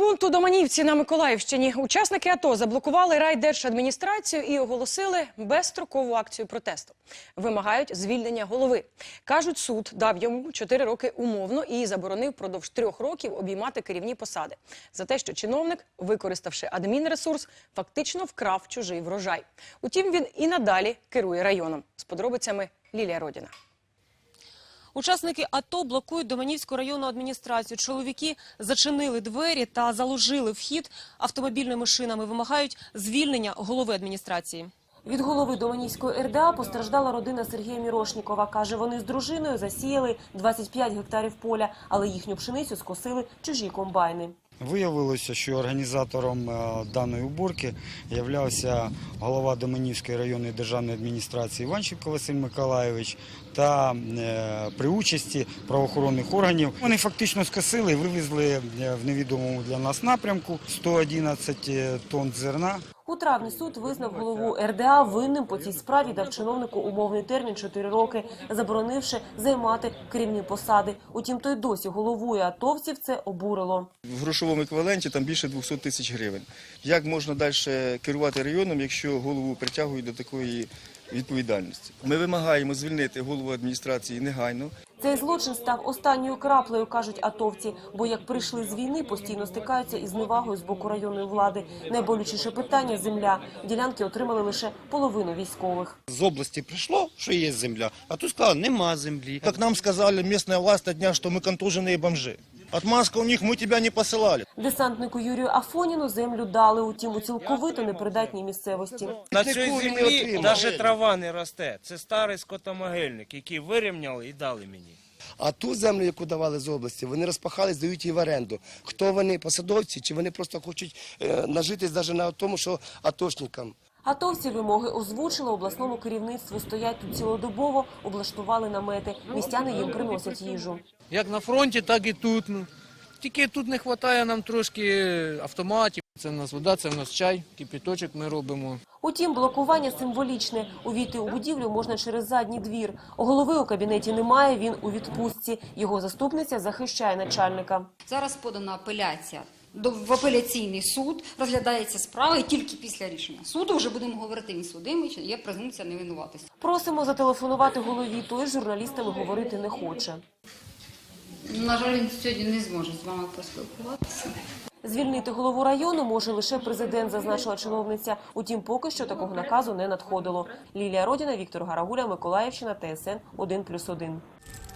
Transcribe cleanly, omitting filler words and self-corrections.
пункту Доманівці на Миколаївщині учасники АТО заблокували райдержадміністрацію і оголосили безстрокову акцію протесту. Вимагають звільнення голови. Кажуть, суд дав йому 4 роки умовно і заборонив впродовж 3 років обіймати керівні посади. За те, що чиновник, використавши адмінресурс, фактично вкрав чужий врожай. Утім, він і надалі керує районом. З подробицями Лілія Родіна. Учасники АТО блокують Доманівську районну адміністрацію. Чоловіки зачинили двері та заложили вхід автомобільними шинами. Вимагають звільнення голови адміністрації. Від голови Доманівської РДА постраждала родина Сергія Мірошнікова. Каже, вони з дружиною засіяли 25 гектарів поля, але їхню пшеницю скосили чужі комбайни. Виявилося, що організатором даної уборки являвся голова Доманівської районної державної адміністрації Іванченко Василь Миколайович та при участі правоохоронних органів. Вони фактично скосили і вивезли в невідомому для нас напрямку 111 тонн зерна. У травні суд визнав голову РДА винним по цій справі, дав чиновнику умовний термін 4 роки, заборонивши займати керівні посади. Утім, той досі головує, атовців це обурило. В грошовому еквіваленті там більше 200 тисяч гривень. Як можна далі керувати районом, якщо голову притягують до такої відповідальності? Ми вимагаємо звільнити голову адміністрації негайно. Цей злочин став останньою краплею, кажуть атовці, бо як прийшли з війни, постійно стикаються із зневагою з боку районної влади. Найболючіше питання – земля. Ділянки отримали лише половину військових. З області прийшло, що є земля, а тут сказали, нема землі. Как нам сказали местная власть на днях, что мы контуженные бомжи. Отмазка у них, мы тебя не посылали. Десантнику Юрію Афоніну землю дали, утім у цілковито непридатній місцевості. На цій землі навіть трава не росте. Це старий скотомогильник, який вирівняли і дали мені. А ту землю, яку давали з області, вони розпахали, здають її в оренду. Хто вони, посадовці, чи вони просто хочуть нажитись навіть на тому, що атошникам? Атовці вимоги озвучили, обласному керівництву стоять тут цілодобово, облаштували намети. Містяни їм приносять їжу. Як на фронті, так і тут. Тільки тут не вистачає нам трошки автоматів. Це в нас вода, це в нас чай, кипяточок ми робимо. Утім, блокування символічне. Увійти у будівлю можна через задній двір. Голови у кабінеті немає, він у відпустці. Його заступниця захищає начальника. Зараз подана апеляція в апеляційний суд, розглядається справа і тільки після рішення суду вже будемо говорити, він судимий, чи є презумпція невинуватості. Просимо зателефонувати голові, той з журналістами говорити не хоче. На жаль, він сьогодні не зможе з вами поспілкуватися. Звільнити голову району може лише президент, зазначила чиновниця. Утім, поки що такого наказу не надходило. Лілія Родіна, Віктор Гарагуля, Миколаївщина, ТСН 1+1.